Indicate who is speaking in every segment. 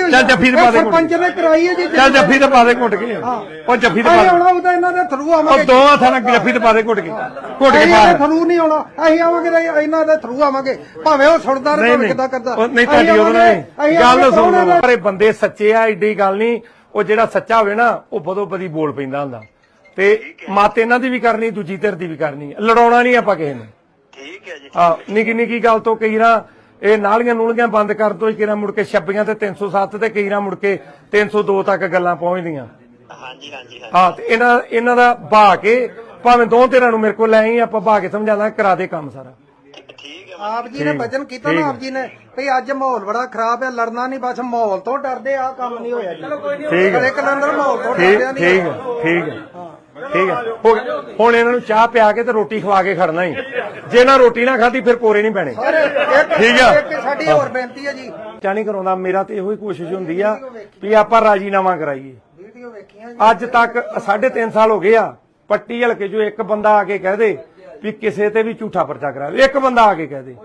Speaker 1: ਨਹੀਂ
Speaker 2: ਚੱਲ ਜੱਫੀ ਤੇ ਪਾ ਦੇ
Speaker 1: ਸਰਪੰਚ ਨੇ ਕਰਾਈ ਹੈ ਜੀ
Speaker 2: ਚੱਲ ਜੱਫੀ ਤੇ ਪਾ ਦੇ ਘੁੱਟ ਕੇ ਉਹ ਜੱਫੀ ਤੇ ਪਾ ਦੇ
Speaker 1: ਆਉਣਾ ਉਹਦਾ ਇਹਨਾਂ ਦੇ ਥਰੂ
Speaker 2: ਉਹ
Speaker 1: ਆਵਾਂਗੇ
Speaker 2: ਦੋ ਹੱਥਾਂ ਨਾਲ ਜੱਫੀ ਤੇ ਪਾ ਦੇ ਘੁੱਟ ਕੇ
Speaker 1: ਇਹਨਾਂ ਦੇ ਥਰੂ ਨਹੀਂ ਆਉਣਾ ਅਸੀਂ ਆਵਾਂਗੇ ਤੇ ਇਹਨਾਂ ਦੇ ਥਰੂ ਆਵਾਂਗੇ ਭਾਵੇਂ ਉਹ ਸੁਣਦਾ ਰਹੇ ਭਾਵੇਂ ਕਿੱਦਾਂ ਕਰਦਾ
Speaker 2: ਨਹੀਂ ਤੁਹਾਡੀ ਉਹਨੇ ਗੱਲ ਸੁਣੋ ਪਰ ਬੰਦੇ ਸੱਚੇ ਆ ਏਡੀ ਗੱਲ ਨਹੀਂ ਉਹ ਜਿਹੜਾ ਸੱਚਾ ਹੋਵੇ ਨਾ ਉਹ ਬਦੋ ਬਦੀ ਬੋਲ ਪੈਂਦਾ ਹੁੰਦਾ ਤੇ ਮੱਤ ਇਹਨਾਂ ਦੀ ਵੀ ਕਰਨੀ ਦੂਜੀ ਧਿਰ ਦੀ ਵੀ ਕਰਨੀ ਲੜਾਉਣਾ ਨਹੀਂ ਆਪਾਂ ਕਿਸੇ ਨੂੰ
Speaker 3: ਠੀਕ ਹੈ ਜੀ
Speaker 2: ਆ ਨਿੱਕੀ ਨਿੱਕੀ ਗੱਲ ਤੋਂ ਕਈ ਨਾ ਇਹ ਨਾਲੀਆਂ ਨੂਲੀਆਂ ਬੰਦ ਕਰ ਦੋ ਕਿਹੜਾ ਮੁੜ ਕੇ 26 ਤੇ 307 ਤੇ ਕਈ ਨਾ ਮੁੜ ਕੇ 302 ਤੱਕ ਗੱਲਾਂ ਪਹੁੰਚਦੀਆਂ
Speaker 3: ਹਾਂਜੀ ਹਾਂਜੀ
Speaker 2: ਹਾਂ ਤੇ ਇਹਨਾਂ ਦਾ ਬਹਾ ਕੇ ਭਾਵੇਂ ਦੋ ਧਿਰਾਂ ਨੂੰ ਮੇਰੇ ਕੋਲ ਲੈ ਆਈ ਆਪਾਂ ਬਹਾ ਕੇ ਸਮਝਾਣਾ ਕਰਾ ਦੇ ਕੰਮ ਸਾਰਾ
Speaker 3: ਠੀਕ ਹੈ
Speaker 1: ਆਪ ਜੀ ਨੇ ਵਚਨ ਕੀਤਾ ਨਾ ਆਪ ਜੀ ਨੇ ਭਈ ਅੱਜ ਮਾਹੌਲ ਬੜਾ ਖਰਾਬ ਹੈ ਲੜਨਾ ਨਹੀਂ ਬਸ ਮਾਹੌਲ ਤੋਂ ਡਰਦੇ ਆ ਕੰਮ ਨਹੀਂ ਹੋਇਆ ਜੀ
Speaker 2: ਠੀਕ ਹੈ
Speaker 1: ਇੱਕ ਲੰਦਰ ਮਾਹੌਲ ਤੋਂ ਡਰਦੇ ਨਹੀਂ
Speaker 2: ਠੀਕ ਹੈ ਠੀਕ ਹੈ ਠੀਕ ਹੈ ਹੁਣ ਇਹਨਾਂ ਨੂੰ ਚਾਹ ਪਿਆ ਕੇ ਤੇ ਰੋਟੀ ਖਵਾ ਕੇ ਖੜਨਾ ਹੀ ਜੇ ਨਾ ਰੋਟੀ ਨਾ ਖਾਧੀ ਫਿਰ ਕੋਰੇ ਨਹੀਂ ਪੈਣੇ ਠੀਕ ਆ
Speaker 1: ਇੱਕ ਸਾਡੀ ਹੋਰ ਬੇਨਤੀ ਹੈ ਜੀ
Speaker 2: ਚਾਹ ਨਹੀਂ ਕਰਾਉਂਦਾ ਮੇਰਾ ਤੇ ਇਹੋ ਹੀ ਕੋਸ਼ਿਸ਼ ਹੁੰਦੀ ਆ ਵੀ ਆਪਾਂ ਰਾਜੀਨਾਮਾ ਕਰਾਈਏ
Speaker 1: ਵੀਡੀਓ ਵੇਖੀਆਂ
Speaker 2: ਅੱਜ ਤੱਕ 3.5 ਸਾਲ ਹੋ ਗਏ ਆ ਪੱਟੀ ਹਲਕੇ ਜੋ ਇੱਕ ਬੰਦਾ ਆ ਕੇ ਕਹਿ ਦੇ ਵੀ ਕਿਸੇ ਤੇ ਵੀ ਝੂਠਾ ਪਰਚਾ ਕਰਾ ਇੱਕ ਬੰਦਾ ਆ ਕੇ ਕਹਿ ਦੇ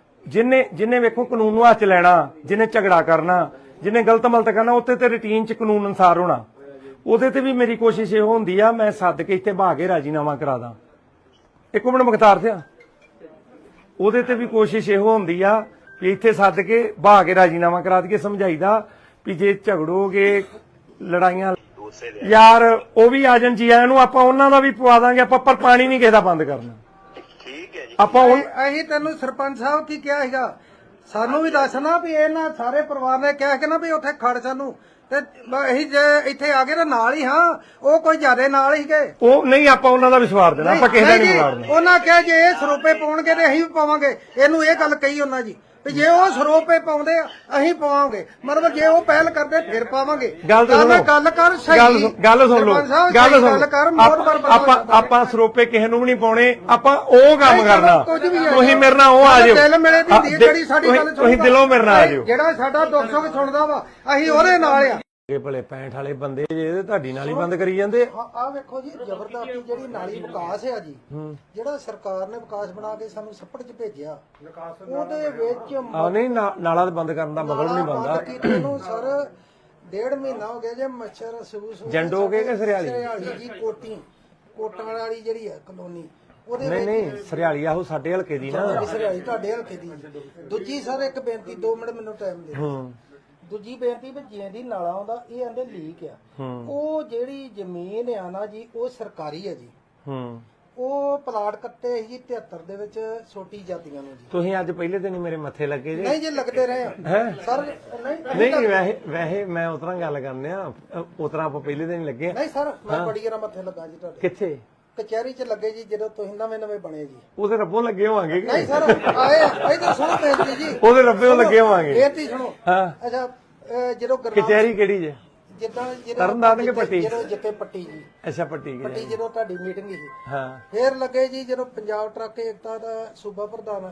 Speaker 2: ਜਿੰਨੇ ਵੇਖੋ ਕਾਨੂੰਨ ਨੂੰ ਹੱਥ 'ਚ ਲੈਣਾ ਜਿੰਨੇ ਝਗੜਾ ਕਰਨਾ ਜਿੰਨੇ ਗਲਤ ਮਲਤ ਕਰਨਾ ਉੱਤੇ ਤੇ ਰੁਟੀਨ 'ਚ ਕਾਨੂੰਨ ਅਨੁਸਾਰ ਹੋਣਾ ਉਹਦੇ ਤੇ ਵੀ ਮੇਰੀ ਕੋਸ਼ਿਸ਼ ਇਹੋ ਹੁੰਦੀ ਆ ਮੈਂ ਸੱਦ ਕੇ ਇੱਥੇ ਬਹਾ ਕੇ ਰਾਜੀਨਾਮਾ ਕਰਾ ਦਾਂ ਇੱਕ ਮਿੰਟ ਮੁਖਤਾਰ ਸਿਆ ਉਹਦੇ ਤੇ ਵੀ ਕੋਸ਼ਿਸ਼ ਇਹੋ ਹੁੰਦੀ ਆ ਵੀ ਇੱਥੇ ਸੱਦ ਕੇ ਬਹਾ ਕੇ ਰਾਜੀਨਾਮਾ ਕਰਾ ਦਈਏ ਸਮਝਾਈਦਾ ਵੀ ਜੇ ਝਗੜੋਗੇ ਲੜਾਈਆਂ ਯਾਰ ਉਹ ਵੀ ਆ ਜਾਣ ਜੀ ਆਇਆਂ ਨੂੰ ਆਪਾਂ ਉਹਨਾਂ ਦਾ ਵੀ ਪਵਾ ਦਾਂਗੇ ਆਪਾਂ ਪਰ ਪਾਣੀ ਨਹੀਂ ਕਿਸੇ ਦਾ ਬੰਦ ਕਰਨਾ
Speaker 3: ਠੀਕ ਹੈ ਜੀ
Speaker 2: ਆਪਾਂ
Speaker 1: ਅਸੀਂ ਤੈਨੂੰ ਸਰਪੰਚ ਸਾਹਿਬ ਕੀ ਕਿਹਾ ਸੀਗਾ ਸਾਨੂੰ ਵੀ ਦੱਸਣਾ ਵੀ ਇਹਨਾਂ ਸਾਰੇ ਪਰਿਵਾਰ ਨੇ ਕਿਹਾ ਕਿ ਨਾ ਵੀ ਉੱਥੇ ਖੜ ਸਾਨੂੰ ਤੇ ਅਸੀਂ ਜੇ ਇੱਥੇ ਆ ਗਏ ਤਾਂ ਨਾਲ ਹੀ ਹਾਂ ਉਹ ਕੋਈ ਜ਼ਿਆਦੇ ਨਾਲ ਹੀ ਗਏ
Speaker 2: ਉਹ ਨਹੀਂ ਆਪਾਂ ਉਹਨਾਂ ਦਾ ਵਿਸ਼ਵਾਸ ਦੇਣਾ ਆਪਾਂ ਕਿਸੇ ਦਾ ਨਹੀਂ ਵਿਗਾੜਨਾ
Speaker 1: ਉਹਨਾਂ ਕਿਹਾ ਜੇ ਇਹ ਸਰੋਪੇ ਪਾਉਣਗੇ ਤੇ ਅਸੀਂ ਵੀ ਪਾਵਾਂਗੇ ਇਹਨੂੰ ਇਹ ਗੱਲ ਕਹੀ ਉਹਨਾਂ ਜੀ ਵੀ ਜੇ ਉਹ ਸਰੋਪੇ ਪਾਉਂਦੇ ਆ ਅਸੀਂ ਪਾਵਾਂਗੇ ਮਤਲਬ ਜੇ ਉਹ ਪਹਿਲ ਕਰਦੇ ਫਿਰ ਪਾਵਾਂਗੇ
Speaker 2: ਗੱਲ
Speaker 1: ਕਰ ਸਹੀ
Speaker 2: ਗੱਲ ਸੁਣ ਲਓ ਗੱਲ
Speaker 1: ਕਰ
Speaker 2: ਆਪਾਂ ਸਰੋਪੇ ਕਿਸੇ ਨੂੰ ਵੀ ਨਹੀਂ ਪਾਉਣੇ ਆਪਾਂ ਉਹ ਕੰਮ ਕਰਨਾ ਤੁਸੀਂ ਮੇਰੇ ਨਾਲ ਉਹ ਆ ਜਾਓ
Speaker 1: ਦਿਲ ਮਿਲੇ ਦੀ ਜਿਹੜੀ ਸਾਡੀ ਗੱਲ
Speaker 2: ਤੁਸੀਂ ਦਿਲੋਂ ਮੇਰੇ ਨਾਲ ਆ ਜਾਓ
Speaker 1: ਜਿਹੜਾ ਸਾਡਾ ਦੁੱਖ ਸੁੱਖ ਸੁਣਦਾ ਵਾ ਅਸੀਂ ਉਹਦੇ ਨਾਲ ਆ
Speaker 2: ਇਹ ਭਲੇ 65 ਵਾਲੇ ਬੰਦੇ ਜੇ ਤੁਹਾਡੀ ਨਾਲ ਹੀ ਬੰਦ ਕਰੀ ਜਾਂਦੇ
Speaker 1: ਆ ਵੇਖੋ ਜੀ ਜ਼ਬਰਦਸਤੀ ਜਿਹੜੀ ਨਾਲੀ ਵਿਕਾਸ ਹੈ ਜੀ ਜਿਹੜਾ ਸਰਕਾਰ ਨੇ ਵਿਕਾਸ ਬਣਾ ਕੇ ਸਾਨੂੰ ਸੱਪੜ 'ਚ ਭੇਜਿਆ ਉਹਦੇ ਵਿੱਚ
Speaker 2: ਆ ਨਹੀਂ ਨਾਲਾ ਬੰਦ ਕਰਨ ਦਾ ਮਤਲਬ ਨਹੀਂ ਬਣਦਾ
Speaker 1: ਇਹਨੂੰ ਸਰ 1.5 ਮਹੀਨਾ ਹੋ ਗਿਆ ਜੇ ਮੱਛਰ ਸੂਸ
Speaker 2: ਜੰਡੋ ਕੇ ਸਰਿਆਲੀ
Speaker 1: ਜੀ ਕੋਟਾਂ ਵਾਲੀ ਜਿਹੜੀ ਹੈ ਕਲੋਨੀ ਉਹਦੇ
Speaker 2: ਨਹੀਂ ਸਰਿਆਲੀ ਆਹੋ ਸਾਡੇ ਹਲਕੇ ਦੀ ਨਾ
Speaker 1: ਸਰਿਆਲੀ ਤੁਹਾਡੇ ਹਲਕੇ ਦੀ ਦੂਜੀ ਸਰ ਇੱਕ ਬੇਨਤੀ 2 ਮਿੰਟ ਮੈਨੂੰ ਟਾਈਮ ਦੇ ਦੂਜੀ ਬੇਨਤੀ ਵੀ ਜਿੰਦੀ ਨਾਲਾ ਆਉਂਦਾ ਇਹ ਆਂਦੇ ਲੀਕ ਆ ਉਹ ਜਿਹੜੀ ਜ਼ਮੀਨ ਆ ਨਾ ਜੀ ਉਹ ਸਰਕਾਰੀ ਹੈ ਜੀ ਉਹ ਪਲਾਟ ਕੱਟੇ ਸੀ 73 ਦੇ ਵਿੱਚ ਛੋਟੀ ਜਾਤੀਆਂ ਨੂੰ ਜੀ
Speaker 2: ਤੁਸੀਂ ਅੱਜ ਪਹਿਲੇ ਦਿਨ ਹੀ ਮੇਰੇ ਮੱਥੇ ਲੱਗੇ ਜੀ
Speaker 1: ਨਹੀਂ ਜੀ ਲੱਗਦੇ ਰਹੇ ਆ ਸਰ
Speaker 2: ਨਹੀਂ ਵੈਸੇ ਮੈਂ ਉਤਰਾਂ ਗੱਲ ਕਰਨੇ ਆ ਉਤਰਾਂ ਆਪਾਂ ਪਹਿਲੇ ਦਿਨ ਹੀ ਲੱਗੇ
Speaker 1: ਨਹੀਂ ਸਰ ਮੈਂ ਬੜੀ ਗਰਾ ਮੱਥੇ ਲੱਗਾ ਜੀ ਤੁਹਾਡੇ
Speaker 2: ਕਿੱਥੇ
Speaker 1: ਕਚਹਿਰੀ 'ਚ ਲੱਗੇ ਜੀ ਜਦੋਂ ਤੁਸੀਂ ਨਵੇਂ ਬਣੇ ਜੀ
Speaker 2: ਉਹਦੇ ਰੱਬੋਂ ਲੱਗੇ ਹੋਵਾਂਗੇ
Speaker 1: ਨਹੀਂ ਸਰ ਆਏ ਤਾਂ ਸੁਣੋ ਬੇਨਤੀ ਜੀ
Speaker 2: ਉਹਦੇ ਰੱਬੋਂ ਲੱਗੇ ਹੋਵਾਂਗੇ
Speaker 1: ਬੇਨਤੀ ਸੁਣੋ
Speaker 2: ਹਾਂ
Speaker 1: ਅੱਛਾ ਜਦੋਂ
Speaker 2: ਕਚਹਿਰੀ ਕਿਹੜੀ ਜੇ
Speaker 1: ਜਿੱਦਾਂ
Speaker 2: ਤਰਨਤਾਰਨ ਕੇ ਪੱਟੀ
Speaker 1: ਜਦੋਂ ਜਿੱਤੇ ਪੱਟੀ ਜੀ
Speaker 2: ਅੱਛਾ ਪੱਟੀ
Speaker 1: ਜਦੋਂ ਤੁਹਾਡੀ ਮੀਟਿੰਗ ਸੀ
Speaker 2: ਹਾਂ
Speaker 1: ਫੇਰ ਲੱਗੇ ਜੀ ਜਦੋਂ ਪੰਜਾਬ ਟਰੱਕ ਏਕਤਾ ਦਾ ਸੂਬਾ ਪ੍ਰਧਾਨ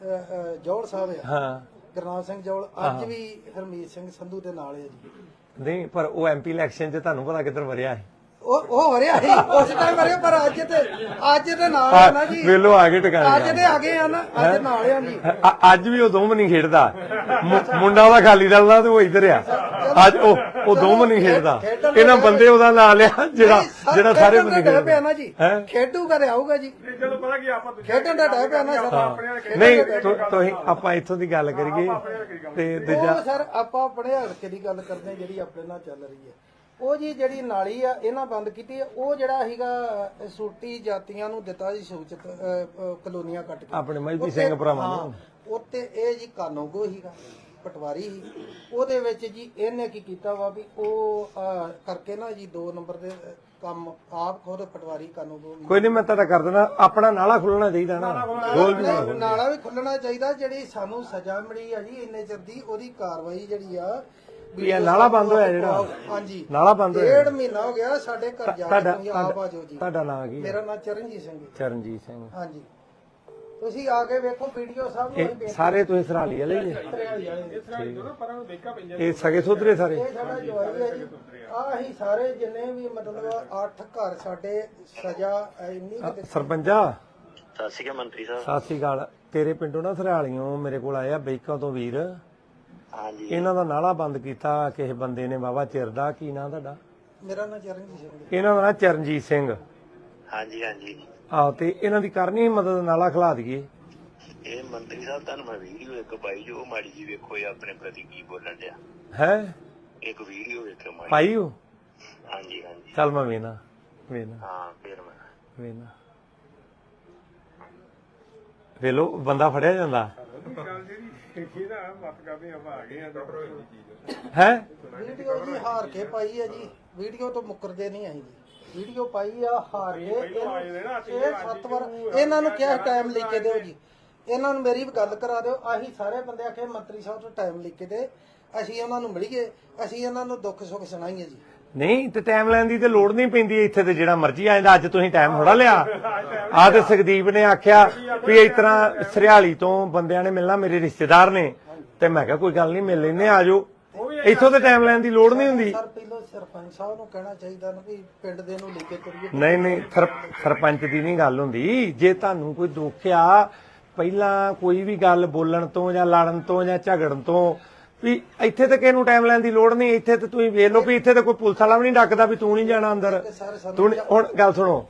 Speaker 1: ਜੌਲ ਸਾਹਿਬ ਆ
Speaker 2: ਹਾਂ
Speaker 1: ਗੁਰਨਾਮ ਸਿੰਘ ਜੌਲ ਅੱਜ ਵੀ ਹਰਮੀਤ ਸਿੰਘ ਸੰਧੂ ਦੇ ਨਾਲ ਹੈ ਜੀ
Speaker 2: ਨਹੀਂ ਪਰ ਉਹ ਐਮਪੀ ਇਲੈਕਸ਼ਨ 'ਚ ਤੁਹਾਨੂੰ ਪਤਾ ਕਿੱਧਰ ਵਰਿਆ ਹੈ
Speaker 1: ਉਹ ਹੋ ਰਿਹਾ ਸੀ ਉਸ ਟਾਈਮ ਵਰਿਆ ਪਰ ਅੱਜ ਤੇ ਨਾਲ ਆ ਨਾ ਜੀ
Speaker 2: ਵੇਲੋ ਆ ਗਏ ਟਿਕਾਣੇ
Speaker 1: ਅੱਜ ਤੇ ਆ ਗਏ ਆ ਨਾ ਅੱਜ ਨਾਲ ਆ ਜੀ
Speaker 2: ਅੱਜ ਵੀ ਉਹ ਦੋਵੇਂ ਨਹੀਂ ਖੇਡਦਾ ਮੁੰਡਾ ਉਹਦਾ ਖਾਲੀ ਦਲ ਦਾ ਤੇ ਉਹ ਇੱਧਰ ਆ ਅੱਜ ਉਹ ਦੋਵੇਂ ਨਹੀਂ ਖੇਡਦਾ ਇਹਨਾਂ ਬੰਦੇ ਉਹਦਾ ਨਾਂ ਲਿਆ ਜਿਹੜਾ ਸਾਰੇ ਬੰਦੇ
Speaker 1: ਖੇਡਦੇ ਪਿਆ ਨਾ ਜੀ ਖੇਡੂਗਾ ਤੇ ਆਊਗਾ ਜੀ ਜਦੋਂ ਪਤਾ ਕੀ ਆਪਾਂ ਖੇਡਣ ਦਾ ਡਰ ਪਿਆ ਨਾ ਸਰ
Speaker 2: ਨਹੀਂ ਤੁਸੀਂ ਆਪਾਂ ਇੱਥੋਂ ਦੀ ਗੱਲ ਕਰੀਏ ਤੇ ਦੂਜਾ
Speaker 1: ਸਰ ਆਪਾਂ ਆਪਣੇ ਹਲਕੇ ਦੀ ਗੱਲ ਕਰਦੇ ਜਿਹੜੀ ਆਪਣੇ ਨਾਲ ਚੱਲ ਰਹੀ ਹੈ ਉਹ ਜੀ ਜਿਹੜੀ ਨਾਲੀ ਆ ਇਹਨਾਂ ਬੰਦ ਕੀਤੀ ਉਹ ਜਿਹੜਾ ਸੀਗਾ ਸੂਟੀ ਜਾਤੀਆਂ ਨੂੰ ਦਿੱਤਾ ਜੀ ਸੂਚਿਤ ਕਲੋਨੀਆਂ ਕੱਟ ਕੇ
Speaker 2: ਆਪਣੇ ਮਜਬੀ ਸਿੰਘ ਭਰਾਵਾਂ ਨੂੰ
Speaker 1: ਉੱਤੇ ਇਹ ਜੀ ਕਾਨੂੰਗੋ ਸੀਗਾ ਪਟਵਾਰੀ ਸੀ ਉਹਦੇ ਵਿੱਚ ਜੀ ਇਹਨੇ ਕੀ ਕੀਤਾ ਵਾ ਵੀ ਉਹ ਕਰਕੇ ਨਾ ਜੀ 2 ਨੰਬਰ ਦੇ ਕੰਮ ਆਪ ਖੁਦ ਪਟਵਾਰੀ ਕਾਨੂੰਗੋ
Speaker 2: ਕੋਈ ਨਹੀਂ ਮੈਂ ਤੁਹਾਡਾ ਕਰ ਦੇਣਾ ਆਪਣਾ ਨਾਲਾ ਖੁੱਲਣਾ ਚਾਹੀਦਾ ਨਾ
Speaker 1: ਨਾਲਾ ਵੀ ਖੁੱਲਣਾ ਚਾਹੀਦਾ ਜਿਹੜੀ ਸਾਨੂੰ ਸਜ਼ਾ ਮਿਲੀ ਆ ਜੀ ਇੰਨੇ ਚਿਰ ਦੀ ਉਹਦੀ ਕਾਰਵਾਈ ਜਿਹੜੀ ਆ
Speaker 2: ਵੀ ਇਹ ਨਾਲਾ ਬੰਦ ਹੋਇਆ ਜਿਹੜਾ
Speaker 1: ਹਾਂਜੀ
Speaker 2: ਨਾਲਾ ਬੰਦ ਹੋਇਆ
Speaker 1: 1.5 ਮਹੀਨਾ ਹੋ ਗਿਆ ਸਾਡੇ ਘਰ ਜਾ ਕੇ ਤੁਸੀਂ ਆਪ ਆ ਜਾਓ ਜੀ
Speaker 2: ਤੁਹਾਡਾ ਨਾਮ ਕੀ
Speaker 1: ਮੇਰਾ ਨਾਮ ਚਰਨਜੀਤ ਸਿੰਘ ਹਾਂਜੀ ਤੁਸੀਂ ਆ ਕੇ ਵੇਖੋ ਵੀਡੀਓ ਸਭ ਨੂੰ
Speaker 2: ਸਾਰੇ ਤੁਸੀਂ ਸਰਾਲੀ ਵਾਲੇ ਜੀ ਇਹ ਸਗੇ ਸੁਧਰੇ ਸਾਰੇ
Speaker 1: ਇਹ ਸਾਡਾ ਜਵਾਈ ਹੈ ਜੀ ਆ ਅਸੀਂ ਸਾਰੇ ਜਿੰਨੇ ਵੀ ਮਤਲਬ 8 ਘਰ ਸਾਡੇ ਸਜ਼ਾ ਇੰਨੀ
Speaker 2: ਸਰਪੰਚਾ
Speaker 3: ਸਤਿ ਸ਼੍ਰੀ ਅਕਾਲ ਮੰਤਰੀ ਸਾਹਿਬ
Speaker 2: ਸਤਿ ਸ਼੍ਰੀ ਅਕਾਲ ਤੇਰੇ ਪਿੰਡੋਂ ਨਾ ਸਰਾਲੀਓਂ ਮੇਰੇ ਕੋਲ ਆਇਆ ਬੈਕਾਂ ਤੋਂ ਵੀਰ
Speaker 3: ਹਾਂਜੀ
Speaker 2: ਇਹਨਾਂ ਦਾ ਨਾਲਾ ਬੰਦ ਕੀਤਾ ਕਿਸੇ ਬੰਦੇ ਨੇ ਬਾਬਾ ਚਿਰ ਦਾ। ਕੀ ਨਾਂ ਤੁਹਾਡਾ?
Speaker 1: ਮੇਰਾ ਨਾਂ ਚਰਨਜੀਤ ਸਿੰਘ।
Speaker 2: ਇਹਨਾਂ ਦਾ ਨਾਂ ਚਰਨਜੀਤ ਸਿੰਘ।
Speaker 3: ਹਾਂਜੀ ਹਾਂਜੀ
Speaker 2: ਆਹੋ, ਤੇ ਇਹਨਾਂ ਦੀ ਕਰਨੀ ਮਦਦ, ਨਾਲਾ ਖਿਲਾ ਦਈਏ।
Speaker 3: ਇਹ ਮੰਤਰੀ ਸਾਹਿਬ ਤੁਹਾਨੂੰ ਮੈਂ ਵੀਡੀਓ ਇੱਕ ਪਾਈ ਜੋ ਮਾੜੀ ਜੀ ਵੇਖੋ ਇਹ ਆਪਣੇ ਪ੍ਰਤੀ ਕੀ ਬੋਲਣ ਡਿਆ।
Speaker 2: ਹੈ
Speaker 3: ਇੱਕ ਵੀਡੀਓ ਵੇਖੋ ਮਾੜੀ।
Speaker 2: ਪਾਈ ਹੋ?
Speaker 3: ਹਾਂਜੀ ਹਾਂਜੀ
Speaker 2: ਚੱਲ ਮੈਂ ਵੇਨਾ
Speaker 3: ਹਾਂ ਫਿਰ ਮੈਂ
Speaker 2: ਵੇਲੋ ਬੰਦਾ ਫੜਿਆ ਜਾਂਦਾ ਹੈ।
Speaker 1: ਵੀਡੀਓ ਜੀ ਹਾਰ ਕੇ ਪਾਈ ਹੈ ਜੀ, ਵੀਡੀਓ ਤੋਂ ਮੁੱਕਰਦੇ ਨਹੀਂ ਆਈ ਜੀ। ਵੀਡੀਓ ਪਾਈ ਆ ਹਾਰ ਕੇ 6-7 ਵਾਰ ਇਹਨਾਂ ਨੂੰ ਕਿਹਾ ਟਾਈਮ ਲਿਖ ਕੇ ਦਿਓ ਜੀ। ਇਹਨਾਂ ਨੂੰ ਮੇਰੀ ਵੀ ਗੱਲ ਕਰਾ ਦਿਓ। ਅਸੀਂ ਸਾਰੇ ਬੰਦੇ ਆਖੇ ਮੰਤਰੀ ਸਾਹਿਬ ਤੋਂ ਟਾਈਮ ਲਿਖ ਕੇ ਦੇ, ਅਸੀਂ ਉਹਨਾਂ ਨੂੰ ਮਿਲੀਏ, ਅਸੀਂ ਇਹਨਾਂ ਨੂੰ ਦੁੱਖ ਸੁੱਖ ਸੁਣਾਈਏ ਜੀ।
Speaker 2: ਨਹੀਂ ਤੇ ਟਾਈਮ ਲੈਣ ਦੀ ਤੇ ਲੋੜ ਨਹੀਂ ਪੈਂਦੀ, ਇੱਥੇ ਤੇ ਜਿਹੜਾ ਮਰਜ਼ੀ ਆ ਜਾਂਦਾ। ਅੱਜ ਤੁਸੀਂ ਟਾਈਮ ਥੋੜਾ ਲਿਆ। ਆਹ ਤੇ ਸੁਖਦੀਪ ਨੇ ਆਖਿਆ ਵੀ ਇਸ ਤਰ੍ਹਾਂ ਸਰਿਆਲੀ ਤੋਂ ਬੰਦਿਆਂ ਨੇ ਮਿਲਣਾ, ਮੇਰੇ ਰਿਸ਼ਤੇਦਾਰ ਨੇ, ਤੇ ਮੈਂ ਕਿਹਾ ਕੋਈ ਗੱਲ ਨਹੀਂ ਮਿਲ ਲੈਨੇ, ਆ ਜਾਓ। ਇੱਥੋਂ ਤੇ ਟਾਈਮ ਲੈਣ ਦੀ ਲੋੜ ਨਹੀਂ ਹੁੰਦੀ।
Speaker 1: ਸਰ ਪਹਿਲਾਂ ਸਰਪੰਚ ਸਾਹਿਬ ਨੂੰ ਕਹਿਣਾ ਚਾਹੀਦਾ ਨਾ ਵੀ ਪਿੰਡ ਦੇ ਨੂੰ ਲੈ ਕੇ ਤੁਰੀਏ।
Speaker 2: ਨਹੀਂ ਸਰਪੰਚ ਦੀ ਨਹੀਂ ਗੱਲ ਹੁੰਦੀ। ਜੇ ਤੁਹਾਨੂੰ ਕੋਈ ਦੁੱਖ ਆ, ਪਹਿਲਾਂ ਕੋਈ ਵੀ ਗੱਲ ਬੋਲਣ ਤੋਂ ਜਾਂ ਲੜਨ ਤੋਂ ਜਾਂ ਝਗੜਨ ਤੋਂ, ਵੀ ਇੱਥੇ ਤੇ ਕਿਸੇ ਨੂੰ ਟਾਈਮ ਲੈਣ ਦੀ ਲੋੜ ਨਹੀਂ। ਇੱਥੇ ਤੇ ਤੁਸੀਂ ਵੇਖ ਲਓ ਵੀ ਇੱਥੇ ਤੇ ਕੋਈ ਪੁਲਿਸ ਵਾਲਾ ਵੀ ਨਹੀਂ ਡੱਕਦਾ ਵੀ ਤੂੰ ਨਹੀਂ ਜਾਣਾ ਅੰਦਰ। ਤੂੰ ਹੁਣ ਗੱਲ ਸੁਣੋ,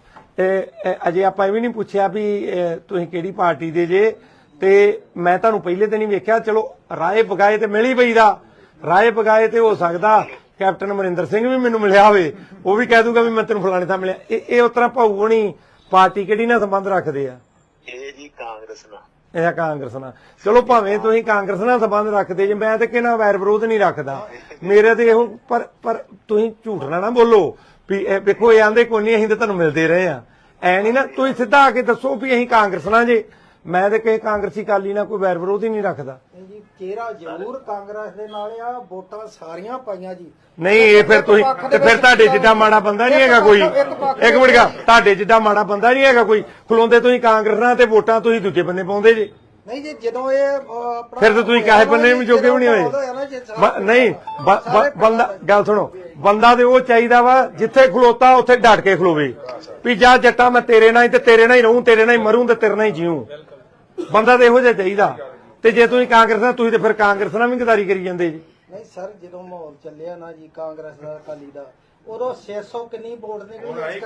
Speaker 2: ਅਜੇ ਆਪਾਂ ਇਹ ਵੀ ਨਹੀਂ ਪੁੱਛਿਆ ਵੀ ਤੁਸੀਂ ਕਿਹੜੀ ਪਾਰਟੀ ਦੇ ਜੇ, ਤੇ ਮੈਂ ਤੁਹਾਨੂੰ ਪਹਿਲੇ ਦਿਨ ਹੀ ਵੇਖਿਆ। ਚਲੋ ਰਾਏ ਬਗਾਏ ਤੇ ਮਿਲ ਹੀ ਪਈਦਾ। ਰਾਏ ਬਗਾਏ ਤੇ ਹੋ ਸਕਦਾ ਕੈਪਟਨ ਅਮਰਿੰਦਰ ਸਿੰਘ ਵੀ ਮੈਨੂੰ ਮਿਲਿਆ ਹੋਵੇ, ਉਹ ਵੀ ਕਹਿ ਦੂਗਾ ਵੀ ਮੈਂ ਤੈਨੂੰ ਫਲਾਣੇ ਥਾਂ ਮਿਲਿਆ। ਇਹ ਉਸ ਤਰ੍ਹਾਂ ਭਾਊ ਹੋਣੀ ਪਾਰਟੀ ਕਿਹੜੀ ਨਾਲ ਸੰਬੰਧ ਰੱਖਦੇ ਆ?
Speaker 3: ਇਹ ਜੀ ਕਾਂਗਰਸ ਨਾਲ।
Speaker 2: ਇਹ ਕਾਂਗਰਸ ਨਾਲ। ਚਲੋ ਭਾਵੇਂ ਤੁਸੀਂ ਕਾਂਗਰਸ ਨਾਲ ਸੰਬੰਧ ਰੱਖਦੇ ਜੇ, ਮੈਂ ਤੇ ਕਿਹਨਾਂ ਵੈਰ ਵਿਰੋਧ ਨਹੀਂ ਰੱਖਦਾ। ਮੇਰੇ ਤੇ ਇਹੋ ਪਰ ਤੁਸੀਂ ਝੂਠ ਨਾ ਬੋਲੋ ਵੀ ਵੇਖੋ ਇਹ ਆਂਦੇ ਕੋਈ ਨਹੀਂ, ਅਸੀਂ ਤਾਂ ਤੁਹਾਨੂੰ ਮਿਲਦੇ ਰਹੇ ਆ। ਐ ਨਹੀਂ ਨਾ, ਤੁਸੀਂ ਸਿੱਧਾ ਆ ਕੇ ਦੱਸੋ ਵੀ ਅਸੀਂ ਕਾਂਗਰਸ ਨਾਲ ਜੇ। ਮੈਂ ਤੇ ਕਿਸੇ ਕਾਂਗਰਸੀ ਅਕਾਲੀ ਨਾਲ ਕੋਈ ਵੈਰ ਵਿਰੋਧ ਹੀ ਨਹੀਂ ਰੱਖਦਾ।
Speaker 1: ਜੀ ਚਿਹਰਾ ਜ਼ਰੂਰ ਕਾਂਗਰਸ ਦੇ ਨਾਲ ਆ, ਵੋਟਾਂ ਸਾਰੀਆਂ ਪਾਈਆਂ ਜੀ।
Speaker 2: ਨਹੀਂ ਇਹ ਫਿਰ ਤੁਸੀਂ ਤੇ ਫਿਰ ਤੁਹਾਡੇ ਜਿੱਡਾ ਮਾੜਾ ਬੰਦਾ ਨਹੀਂ ਹੈਗਾ ਕੋਈ। ਇੱਕ ਮਿੰਟ ਗਾ, ਤੁਹਾਡੇ ਜਿੱਡਾ ਮਾੜਾ ਬੰਦਾ ਨਹੀਂ ਹੈਗਾ ਕੋਈ। ਖਲੋਂਦੇ ਤੁਸੀਂ ਕਾਂਗਰਸ ਨਾਲ ਤੇ ਵੋਟਾਂ ਤੁਸੀਂ ਦੂਜੇ ਬੰਨੇ ਪਾਉਂਦੇ ਜੇ।
Speaker 1: ਨਹੀਂ ਜੀ ਜਦੋਂ ਇਹ ਆਪਣਾ
Speaker 2: ਫਿਰ ਤਾਂ ਤੁਸੀਂ ਕਾਹੇ ਬੰਨੇ ਵੀ ਜੋਗੇ ਵੀ ਨਹੀਂ ਹੋਏ। ਨਹੀਂ ਬੰਦਾ, ਗੱਲ ਸੁਣੋ, ਬੰਦਾ ਤੇ ਉਹ ਚਾਹੀਦਾ ਵਾ ਜਿੱਥੇ ਖਲੋਤਾ ਉੱਥੇ ਡਟ ਕੇ ਖਲੋਵੇ ਵੀ ਜਾ ਜੱਟਾ ਮੈਂ ਤੇਰੇ ਨਾਲ ਹੀ ਤੇ ਤੇਰੇ ਨਾਲ ਹੀ ਰਹੂੰ, ਤੇਰੇ ਨਾਲ ਹੀ ਮਰੂੰ ਤੇ ਤੇਰੇ ਨਾਲ ਹੀ ਜੀਊਂ। ਬੰਦਾ ਤੇ ਇਹੋ ਜਿਹਾ ਚਾਹੀਦਾ। ਤੇ ਜੇ ਤੁਸੀਂ ਕਾਂਗਰਸ ਨਾਲ, ਤੁਸੀਂ ਤੇ ਫਿਰ ਕਾਂਗਰਸ ਨਾਲ ਵੀ ਗਦਾਰੀ ਕਰੀ ਜਾਂਦੇ ਜੀ।
Speaker 1: ਨਹੀਂ ਸਰ, ਜਦੋਂ ਮਾਹੌਲ ਚੱਲਿਆ ਨਾ ਜੀ ਕਾਂਗਰਸ ਦਾ ਅਕਾਲੀ ਦਾ, ਉਦੋਂ 600 ਕਿੰਨੀ ਵੋਟ ਨਿਕਲੀ?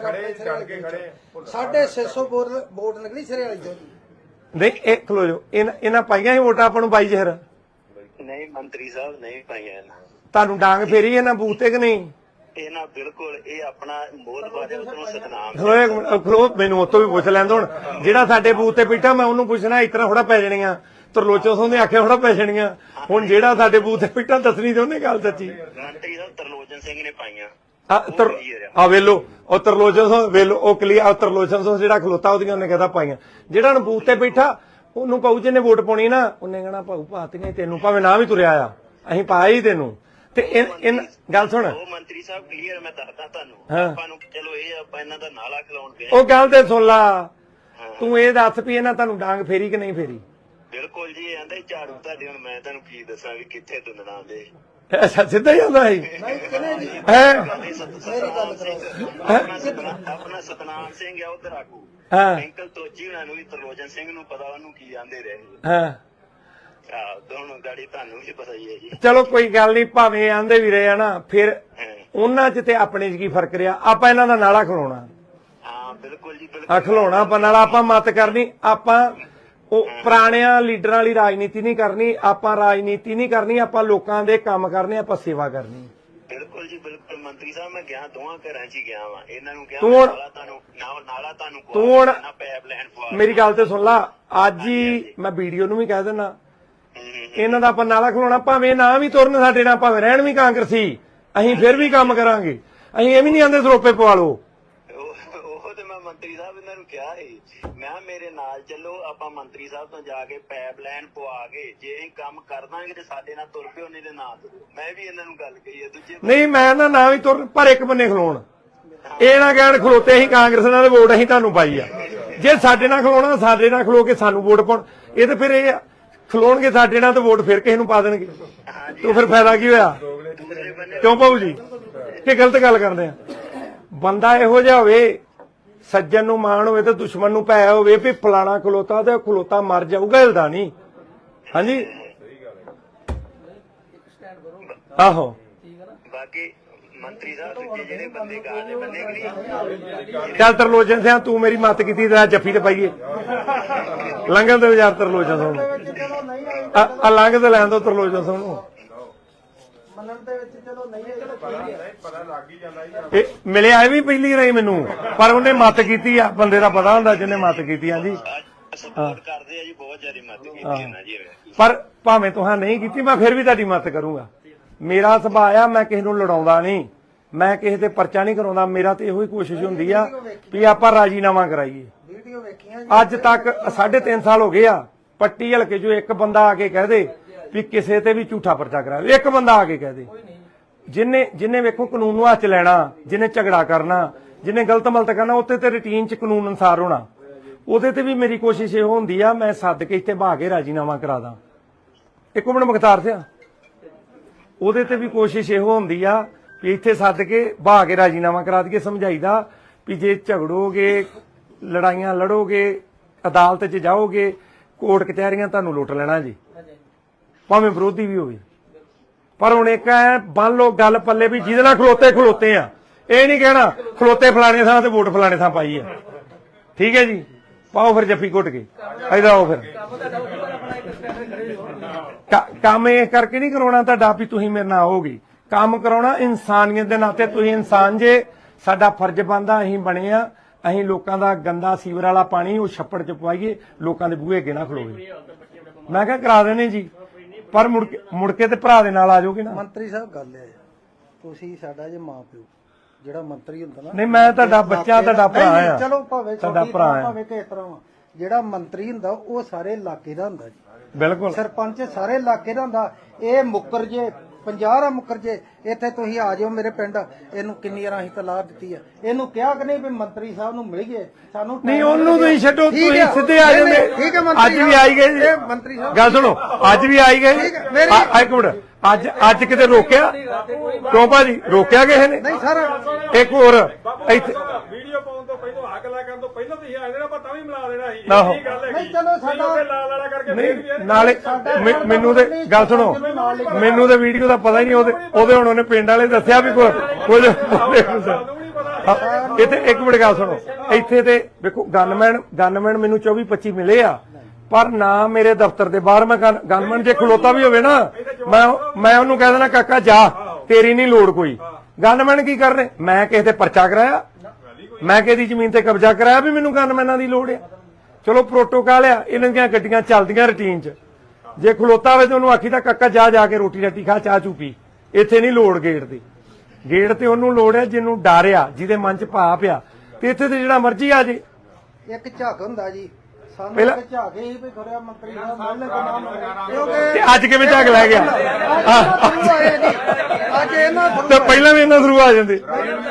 Speaker 1: 650 ਵੋਟ ਨਿਕਲੀ ਸਰਿਆਲੀ ਚੋਂ ਜੀ।
Speaker 2: ਨਹੀਂ ਇਹ ਖਲੋ ਜਾਓ, ਇਹਨਾਂ ਪਾਈਆਂ ਸੀ ਵੋਟਾਂ ਆਪਾਂ ਨੂੰ ਬਾਈ ਜ਼ਹਿਰ?
Speaker 3: ਨਹੀਂ ਮੰਤਰੀ ਸਾਹਿਬ ਨਹੀਂ ਪਾਈਆਂ ਇਹਨਾਂ।
Speaker 2: ਤੁਹਾਨੂੰ ਡਾਂਗ ਫੇਰੀ ਇਹਨਾਂ ਬੂਥ ਤੇ ਕਿ ਨਹੀਂ?
Speaker 3: ਇਹਨਾਂ ਬਿਲਕੁਲ ਇਹ ਆਪਣਾ ਮੋਦਬਾਦੇ ਉਤੋਂ ਸਤਨਾਮ।
Speaker 2: ਖਲੋ, ਮੈਨੂੰ ਉਤੋਂ ਵੀ ਪੁੱਛ ਲੈਂਦਾ। ਹੁਣ ਜਿਹੜਾ ਸਾਡੇ ਬੂਥ ਤੇ ਬੈਠਾ ਮੈਂ ਉਹਨੂੰ ਪੁੱਛਣਾ ਇਸ ਤਰ੍ਹਾਂ ਥੋੜਾ ਪੈ ਜਾਣੀਆਂ। ਤਰਲੋਚਨ ਸਿੰਘ ਨੇ ਆਖਿਆ ਥੋੜਾ ਪੈ ਜਾਣੀਆਂ। ਹੁਣ ਜਿਹੜਾ ਸਾਡੇ ਬੂਥ ਤੇ ਬੈਠਾ ਦੱਸਣੀ ਤੇ ਉਹਨੇ ਗੱਲ ਸੱਚੀ।
Speaker 3: ਮੰਤਰੀ ਸਾਹਿਬ ਤਰਲੋਚਨ ਸਿੰਘ ਨੇ ਪਾਈਆਂ।
Speaker 2: ਆ ਵੇਲੋ ਉਹ ਤਰਲੋਚਨ ਸਿੰਘ ਵੇਲੋ ਉਹ ਕਲੀਅਰ। ਤਰਲੋਚਨ ਸਿੰਘ ਜਿਹੜਾ ਖਲੋਤਾ ਉਹਦੀਆਂ ਉਹਨੇ ਕਹਿੰਦਾ ਪਾਈਆਂ। ਜਿਹੜਾ ਹੁਣ ਬੂਥ ਤੇ ਬੈਠਾ ਉਹਨੂੰ ਪਾਉ ਜਿਹਨੇ ਵੋਟ ਪਾਉਣੀ ਨਾ, ਉਹਨੇ ਕਹਿਣਾ ਭਾਊ ਪਾਤੀਆਂ ਤੈਨੂੰ, ਭਾਵੇਂ ਨਾ ਵੀ ਤੁਰਿਆ ਆ, ਅਸੀਂ ਪਾਇਆ ਹੀ ਤੈਨੂੰ। ਤੇ ਗੱਲ ਸੁਣ,
Speaker 3: ਉਹ ਮੰਤਰੀ ਸਾਹਿਬ ਕਲੀਅਰ ਮੈਂ ਦੱਸਦਾ ਤੁਹਾਨੂੰ। ਆਪਾਂ ਨੂੰ ਚਲੋ ਇਹ ਆਪਾਂ ਇਹਨਾਂ ਦਾ ਨਾਲਾ ਖਿਲਾਉਣ ਗਏ।
Speaker 2: ਉਹ ਗੱਲ ਤੇ ਸੁਣ ਲਾ। ਤੂੰ ਇਹ ਦੱਸ ਵੀ ਇਹਨਾਂ ਤੁਹਾਨੂੰ ਡਾਂਗ ਫੇਰੀ ਕਿ ਨਹੀਂ ਫੇਰੀ?
Speaker 3: ਬਿਲਕੁਲ ਜੀ, ਇਹ ਆਂਦਾ ਝਾੜੂ ਤੁਹਾਡੇ। ਹੁਣ ਮੈਂ ਤੁਹਾਨੂੰ ਕੀ ਦੱਸਾਂ ਵੀ ਕਿੱਥੇ ਤੁੰਦਣਾ ਦੇ।
Speaker 2: ਅੱਛਾ ਸਿੱਧਾ ਹੀ ਆਉਂਦਾ ਸੀ
Speaker 3: ਆਪਣਾ ਸਤਨਾਮ ਸਿੰਘ ਆ ਉਧਰ ਆਗੂ। ਅੰਕਲ ਤੋਜੀ ਉਹਨਾਂ ਨੂੰ ਵੀ ਤਰਲੋਚਨ ਸਿੰਘ ਨੂੰ ਪਤਾ, ਉਹਨੂੰ ਕੀ ਆਂਦੇ ਰਹੇ।
Speaker 2: ਹਾਂ
Speaker 3: ਦੋਨੋਂ ਗਾੜੀ ਤੁਹਾਨੂੰ ਵੀ ਪਤਾ ਹੀ ਹੈ ਜੀ।
Speaker 2: ਚਲੋ ਕੋਈ ਗੱਲ ਨਹੀਂ, ਭਾਵੇਂ ਆਂਦੇ ਵੀ ਰਹੇ ਆ ਨਾ, ਫਿਰ ਉਹਨਾਂ 'ਚ ਤੇ ਆਪਣੇ 'ਚ ਕੀ ਫਰਕ ਰਿਹਾ? ਆਪਾਂ ਇਹਨਾਂ ਦਾ ਨਾਲਾ ਖਲੋਣਾ।
Speaker 3: ਹਾਂ ਬਿਲਕੁਲ ਜੀ, ਬਿਲਕੁਲ
Speaker 2: ਖਲੋਣਾ ਆਪਾਂ ਨਾਲਾ। ਆਪਾਂ ਮਤ ਕਰਨੀ, ਆਪਾਂ ਉਹ ਪੁਰਾਣਿਆਂ ਲੀਡਰਾਂ ਵਾਲੀ ਰਾਜਨੀਤੀ ਨਹੀਂ ਕਰਨੀ। ਆਪਾਂ ਰਾਜਨੀਤੀ ਨਹੀਂ ਕਰਨੀ, ਆਪਾਂ ਲੋਕਾਂ ਦੇ ਕੰਮ ਕਰਨੇ, ਆਪਾਂ ਸੇਵਾ ਕਰਨੀ।
Speaker 3: ਬਿਲਕੁਲ ਜੀ ਬਿਲਕੁਲ। ਮੰਤਰੀ ਸਾਹਿਬ ਮੈਂ ਗਿਆ ਦੋਵਾਂ ਘਰਾਂ 'ਚ ਹੀ ਗਿਆ ਵਾ। ਇਹਨਾਂ ਨੂੰ ਕਿਹਾ ਨਾਲਾ ਤੁਹਾਨੂੰ
Speaker 2: ਤੂੰ ਹੁਣ
Speaker 3: ਪੈਪ ਲੈਣ ਪਵਾ।
Speaker 2: ਮੇਰੀ ਗੱਲ ਤੇ ਸੁਣ ਲਾ, ਅੱਜ ਹੀ ਮੈਂ ਵੀਡੀਓ ਨੂੰ ਵੀ ਕਹਿ ਦਿੰਦਾ, ਇਹਨਾਂ ਦਾ ਆਪਾਂ ਨਾਲਾ ਖਲੋਣਾ। ਭਾਵੇਂ ਨਾ ਵੀ ਤੁਰਨ ਸਾਡੇ ਨਾਲ, ਭਾਵੇਂ ਰਹਿਣ ਵੀ ਕਾਂਗਰਸੀ, ਅਸੀਂ ਫਿਰ ਵੀ ਕੰਮ ਕਰਾਂਗੇ। ਅਸੀਂ ਇਹ ਵੀ ਨਹੀਂ ਆਂਦੇ ਸਰੋਪੇ ਪਵਾ ਲਓ।
Speaker 3: ਉਹ ਤੇ ਮੈਂ ਮੰਤਰੀ ਸਾਹਿਬ ਇਹਨਾਂ ਨੂੰ ਕਿਹਾ ਸੀ, ਮੈਂ ਮੇਰੇ ਨਾਲ ਚੱਲੋ, ਆਪਾਂ ਮੰਤਰੀ ਸਾਹਿਬ ਤੋਂ ਜਾ ਕੇ ਪਾਈਪ ਲਾਈਨ ਪਵਾ ਕੇ ਜੇ ਅਸੀਂ ਕੰਮ ਕਰ ਦਾਂਗੇ ਤੇ ਸਾਡੇ ਨਾਲ ਤੁਰ ਪਿਓ, ਨਹੀਂ ਤੇ ਨਾ ਤੁਰੋ। ਮੈਂ ਵੀ ਇਹਨਾਂ ਨੂੰ ਗੱਲ ਕਹੀ ਹੈ। ਦੂਜੇ
Speaker 2: ਨਹੀਂ ਮੈਂ ਨਾ ਵੀ ਤੁਰਨ, ਪਰ ਇੱਕ ਬੰਨੇ ਖਲੋਣ। ਇਹ ਨਾ ਕਹਿਣ ਖਲੋਤੇ ਅਸੀਂ ਕਾਂਗਰਸ ਨਾਲ ਵੋਟ ਅਸੀਂ ਤੁਹਾਨੂੰ ਪਾਈ ਆ। ਜੇ ਸਾਡੇ ਨਾਲ ਖਲੋਣਾ, ਸਾਡੇ ਨਾਲ ਖਲੋ ਕੇ ਸਾਨੂੰ ਵੋਟ ਪਾਉਣ। ਇਹ ਤੇ ਫਿਰ ਇਹ ਖਲੋਣਗੇ ਸਾਡੇ ਨਾਲ ਤੇ ਵੋਟ ਫਿਰ ਕਿਸੇ ਨੂੰ ਪਾ ਦੇਣਗੇ। ਤੂੰ ਫਿਰ ਫਾਇਦਾ ਕੀ ਹੋਇਆ? ਕਿਉਂ ਭਾਊ ਜੀ ਕਿ ਗਲਤ ਗੱਲ ਕਰਦੇ ਆ? ਬੰਦਾ ਇਹੋ ਜਿਹਾ ਹੋਵੇ, ਸੱਜਣ ਨੂੰ ਮਾਣ ਹੋਵੇ ਤੇ ਦੁਸ਼ਮਣ ਨੂੰ ਭੈ ਹੋਵੇ ਵੀ ਫਲਾਣਾ ਖਲੋਤਾ ਤੇ ਖਲੋਤਾ ਮਰ ਜਾਊਗਾ, ਹਿਲਦਾ ਨਹੀਂ। ਹਾਂਜੀ ਆਹੋ
Speaker 3: ਬਾਕੀ ਮੰਤਰੀ ਸਾਹਿਬ ਦੂਜੇ ਜਿਹੜੇ ਬੰਦੇ ਕਾਲੇ ਬੰਦੇ ਕਿ ਨਹੀਂ
Speaker 2: ਚੱਲ ਤਰਲੋਚਨ ਸਿਆ ਤੂੰ ਮੇਰੀ ਮੱਤ ਕੀਤੀ ਤੇ ਜੱਫੀ ਤੇ ਪਾਈਏ ਲੰਘਣ ਦੇ ਵਿਚਾਰ ਤਰਲੋਚਨ ਸਿੰਘ
Speaker 1: ਚਲੋ ਨਹੀਂ ਆਈ
Speaker 2: ਆ ਲੰਘ ਤੇ ਲੈਣ ਦੋ ਤਰਲੋਚਨ ਸਿੰਘ ਨੂੰ
Speaker 1: ਮੰਨਣ ਦੇ ਵਿੱਚ ਚਲੋ ਨਹੀਂ ਆਈ ਚਲੋ ਠੀਕ ਹੈ
Speaker 2: ਇਹ ਮਿਲਿਆ ਇਹ ਵੀ ਪਹਿਲੀ ਰਹੀ ਮੈਨੂੰ ਪਰ ਉਹਨੇ ਮੱਤ ਕੀਤੀ ਆ ਬੰਦੇ ਦਾ ਪਤਾ ਹੁੰਦਾ ਜਿਹਨੇ ਮੱਤ ਕੀਤੀ ਆ ਜੀ
Speaker 3: ਸਪੋਰਟ ਕਰਦੇ ਆ ਜੀ ਬਹੁਤ ਜ਼ਿਆਦਾ ਮਦਦ ਕੀਤੀ ਇਹਨਾਂ ਜੀ
Speaker 2: ਪਰ ਭਾਵੇਂ ਤੁਹਾਂ ਨਹੀਂ ਕੀਤੀ ਮੈਂ ਫਿਰ ਵੀ ਤੁਹਾਡੀ ਮਦਦ ਕਰੂੰਗਾ ਮੇਰਾ ਸੁਭਾਅ ਆ ਮੈਂ ਕਿਸੇ ਨੂੰ ਲੜਾਉਂਦਾ ਨਹੀਂ ਮੈਂ ਕਿਸੇ ਤੇ ਪਰਚਾ ਨਹੀਂ ਕਰਾਉਂਦਾ ਮੇਰਾ ਤੇ ਇਹੋ ਹੀ ਕੋਸ਼ਿਸ਼ ਹੁੰਦੀ ਆ ਵੀ ਆਪਾਂ ਰਾਜੀਨਾਮਾ ਕਰਾਈਏ
Speaker 1: ਵੀਡੀਓ ਵੇਖੀਆਂ
Speaker 2: ਅੱਜ ਤੱਕ 3.5 ਸਾਲ ਹੋ ਗਏ ਆ ਪੱਟੀ ਹਲਕੇ ਜੋ ਇੱਕ ਬੰਦਾ ਆ ਕੇ ਕਹਿ ਦੇ ਵੀ ਕਿਸੇ ਤੇ ਵੀ ਝੂਠਾ ਪਰਚਾ ਕਰਾਵੇ ਇੱਕ ਬੰਦਾ ਆ ਕੇ ਕਹਿ ਦੇ ਜਿਨੇ ਵੇਖੋ ਕਾਨੂੰਨ ਨੂੰ ਹੱਥ 'ਚ ਲੈਣਾ ਜਿਨੇ ਝਗੜਾ ਕਰਨਾ ਜਿਨੇ ਗਲਤ ਮਲਤ ਕਰਨਾ ਉੱਤੇ ਤੇ ਰੁਟੀਨ 'ਚ ਕਾਨੂੰਨ ਅਨੁਸਾਰ ਹੋਣਾ ਉਹਦੇ ਤੇ ਵੀ ਮੇਰੀ ਕੋਸ਼ਿਸ਼ ਇਹੋ ਹੁੰਦੀ ਆ ਮੈਂ ਸੱਦ ਕੇ ਇੱਥੇ ਬਹਾ ਕੇ ਰਾਜੀਨਾਮਾ ਕਰਾ ਦਾਂ ਇੱਕ ਮਿੰਟ ਮੁਖਤਾਰ ਸਿਆ ਉਹਦੇ ਤੇ ਵੀ ਕੋਸ਼ਿਸ਼ ਇਹੋ ਹੁੰਦੀ ਆ ਵੀ ਇੱਥੇ ਸੱਦ ਕੇ ਬਹਾ ਕੇ ਰਾਜੀਨਾਮਾ ਕਰਾ ਦਈਏ ਸਮਝਾਈਦਾ ਵੀ ਜੇ ਝਗੜੋਗੇ ਲੜਾਈਆਂ ਲੜੋਗੇ ਅਦਾਲਤ 'ਚ ਜਾਓਗੇ ਕੋਰਟ ਕਚਹਿਰੀਆਂ ਤੁਹਾਨੂੰ ਲੁੱਟ ਲੈਣਾ ਜੀ ਭਾਵੇਂ ਵਿਰੋਧੀ ਵੀ ਹੋਵੇ ਪਰ ਹੁਣ ਇੱਕ ਐ ਬੰਨ ਲੋ ਗੱਲ ਪੱਲੇ ਵੀ ਜਿਹਦੇ ਨਾਲ ਖਲੋਤੇ ਆ ਇਹ ਨਹੀਂ ਕਹਿਣਾ ਖਲੋਤੇ ਫਲਾਣੇ ਥਾਂ ਤੇ ਵੋਟ ਫਲਾਣੇ ਥਾਂ ਪਾਈ ਆ ਠੀਕ ਹੈ ਜੀ ਪਾਓ ਫਿਰ ਜੱਫੀ ਘੁੱਟ ਕੇ ਇਧਰ ਆਓ ਫਿਰ ਕੰਮ ਇਹ ਕਰਕੇ ਨਹੀਂ ਕਰਾਉਣਾ ਤੁਹਾਡਾ ਵੀ ਤੁਸੀਂ ਮੇਰੇ ਨਾਲ ਆਓਗੇ ਕੰਮ ਕਰਾਉਣਾ ਇਨਸਾਨੀਅਤ ਦੇ ਨਾਤੇ ਤੁਸੀਂ ਇਨਸਾਨ ਜੇ ਸਾਡਾ ਫਰਜ਼ ਬਣਦਾ ਅਸੀਂ ਬਣੇ ਆ ਅਸੀਂ ਲੋਕਾਂ ਦਾ ਗੰਦਾ ਸੀਵਰ ਵਾਲਾ ਪਾਣੀ ਉਹ ਛੱਪੜ 'ਚ ਪਵਾਈਏ ਲੋਕਾਂ ਦੇ ਬੂਹੇ ਅੱਗੇ ਨਾ ਖਲੋਵੇ ਮੈਂ ਕਿਹਾ ਕਰਾ ਦੇਣੇ ਜੀ ਪਰ ਮੁੜ ਕੇ ਤੇ ਭਰਾ ਦੇ ਨਾਲ ਆ ਜਾਓਗੇ ਨਾ
Speaker 1: ਮੰਤਰੀ ਸਾਹਿਬ ਗੱਲ ਹੈ ਤੁਸੀਂ ਸਾਡਾ ਜੇ ਮਾਂ ਪਿਓ ਜਿਹੜਾ ਮੰਤਰੀ ਹੁੰਦਾ ਨਾ
Speaker 2: ਨਹੀਂ ਮੈਂ ਤੁਹਾਡਾ ਬੱਚਾ ਤੁਹਾਡਾ ਭਰਾ ਆ
Speaker 1: ਚਲੋ ਭਾਵੇਂ
Speaker 2: ਤੁਹਾਡਾ ਭਰਾ ਆ
Speaker 1: ਭਾਵੇਂ ਕਿਸ ਤਰ੍ਹਾਂ ਵਾ ਜਿਹੜਾ ਮੰਤਰੀ ਹੁੰਦਾ ਉਹ ਸਾਰੇ ਇਲਾਕੇ ਦਾ ਹੁੰਦਾ ਜੀ
Speaker 2: ਬਿਲਕੁਲ
Speaker 1: ਸਰਪੰਚ ਸਾਰੇ ਇਲਾਕੇ ਦਾ ਹੁੰਦਾ ਇਹ ਮੁੱਕਰ ਜੇ 50 ਦਾ ਮੁੱਕਰ ਜੇ ਇੱਥੇ ਤੁਸੀਂ ਆ ਜਾਓ ਮੇਰੇ ਪਿੰਡ ਇਹਨੂੰ ਕਿੰਨੀ ਵਾਰ ਅਸੀਂ ਤਲਾਕ ਦਿੱਤੀ ਆ ਇਹਨੂੰ ਕਿਹਾ ਕਿ ਨਹੀਂ ਵੀ ਮੰਤਰੀ ਸਾਹਿਬ ਨੂੰ ਮਿਲ ਗਏ ਸਾਨੂੰ
Speaker 2: ਨਹੀਂ ਉਹਨੂੰ ਤੁਸੀਂ ਛੱਡੋ
Speaker 1: ਠੀਕ
Speaker 2: ਤੁਸੀਂ
Speaker 1: ਹੈ,
Speaker 2: ਸਿੱਧੇ ਆ ਜਾਂਦੇ
Speaker 1: ਠੀਕ ਹੈ ਮੰਤਰੀ
Speaker 2: ਅੱਜ ਵੀ ਆਈ ਗਏ ਜੀ
Speaker 1: ਇਹ ਮੰਤਰੀ ਸਾਹਿਬ
Speaker 2: ਗੱਲ ਸੁਣੋ ਅੱਜ ਵੀ ਆਈ ਗਏ
Speaker 1: ਠੀਕ ਹੈ, ਮੇਰੀ-
Speaker 2: ਇੱਕ ਮਿੰਟ ਅੱਜ ਕਿਤੇ ਰੋਕਿਆ ਕਿਉਂ ਭਾਜੀ ਰੋਕਿਆ ਕਿਸੇ ਨੇ
Speaker 1: ਨਹੀਂ ਸਰ
Speaker 2: ਇੱਕ ਹੋਰ ਇੱਥੇ
Speaker 4: ਵੀਡੀਓ ਪਾਉਣ ਤੋਂ ਪਹਿਲਾਂ ਆਹ ਗੱਲਾਂ ਕਰਨ ਤੋਂ ਪਹਿਲਾਂ ਤੁਸੀਂ ਆ ਜਾਣਾ ਪਰ ਤਾਂ ਵੀ ਮਿਲਾ ਦੇਣਾ ਸੀ
Speaker 2: ਆਹੋ।
Speaker 4: ਇਹ ਗੱਲ ਹੈ
Speaker 1: ਨਹੀਂ ਚਲੋ ਸਾਡਾ
Speaker 4: ਲਾਲ ਵਾਲਾ ਕਰਕੇ
Speaker 2: ਨਹੀਂ ਨਾਲੇ ਮੈਨੂੰ ਤੇ ਗੱਲ ਸੁਣੋ ਮੈਨੂੰ ਤੇ ਵੀਡੀਓ ਦਾ ਪਤਾ ਹੀ ਨਹੀਂ ਉਹਦੇ ਹੁਣ ਉਹਨੇ ਪਿੰਡ ਵਾਲੇ ਦੱਸਿਆ ਵੀ ਕੁਝ ਇੱਥੇ ਇੱਕ ਮਿੰਟ ਗੱਲ ਸੁਣੋ ਇੱਥੇ ਤੇ ਵੇਖੋ ਗਨਮੈਨ ਮੈਨੂੰ 24-25 ਮਿਲੇ ਆ ਪਰ ਨਾ ਮੇਰੇ ਦਫ਼ਤਰ ਦੇ ਬਾਹਰ ਮੈਂ ਗਨਮੈਨ ਜੇ ਖਲੋਤਾ ਵੀ ਹੋਵੇ ਨਾ ਮੈਂ ਉਹਨੂੰ ਕਹਿ ਦੇਣਾ ਕਾਕਾ ਜਾ ਤੇਰੀ ਨਹੀਂ ਲੋੜ ਕੋਈ ਗਨਮੈਨ ਕੀ ਕਰਨੇ ਮੈਂ ਕਿਸੇ ਤੇ ਪਰਚਾ ਕਰਾਇਆ ਮੈਂ ਕਿਸੇ ਦੀ ਜ਼ਮੀਨ ਤੇ ਕਬਜ਼ਾ ਕਰਾਇਆ ਵੀ ਮੈਨੂੰ ਗਨਮੈਨਾਂ ਦੀ ਲੋੜ ਆ ਚਲੋ ਪ੍ਰੋਟੋਕਾਲ ਆ ਇਹਨਾਂ ਦੀਆਂ ਗੱਡੀਆਂ ਚੱਲਦੀਆਂ ਰੁਟੀਨ 'ਚ ਜੇ ਖਲੋਤਾ ਹੋਵੇ ਤੇ ਉਹਨੂੰ ਆਖੀ ਤਾਂ ਕਾਕਾ ਜਾ ਕੇ ਰੋਟੀ ਰਾਟੀ ਖਾ ਚਾਹ ਚੂ ਪੀ ਇੱਥੇ ਨਹੀਂ ਲੋੜ ਗੇਟ ਤੇ ਉਹਨੂੰ ਲੋੜ ਹੈ ਜਿਹਨੂੰ ਡਰ ਆ ਜਿਹਦੇ ਮਨ 'ਚ ਭਾਪ ਆ ਤੇ ਇੱਥੇ ਤੇ ਜਿਹੜਾ ਮਰਜ਼ੀ ਆ ਜੇ
Speaker 1: ਇੱਕ ਝੱਕ ਹੁੰਦਾ ਜੀ ਸਾਨੂੰ
Speaker 2: ਪਹਿਲਾਂ-
Speaker 1: ਇੱਕ ਝੱਕ ਹੀ ਵੀ ਖੜਿਆ ਮੰਤਰੀ ਸਾਹਿਬ ਮਿਲਣੇ ਕੋ ਨਾਮ ਕਿਉਂਕਿ
Speaker 2: ਤੇ ਅੱਜ ਕਿਵੇਂ ਝੱਕ ਲੈ ਗਿਆ
Speaker 1: ਅੱਜ ਇਹਨਾਂ
Speaker 2: ਤੇ ਪਹਿਲਾਂ ਵੀ ਇਹਨਾਂ ਥਰੂ ਆ ਜਾਂਦੇ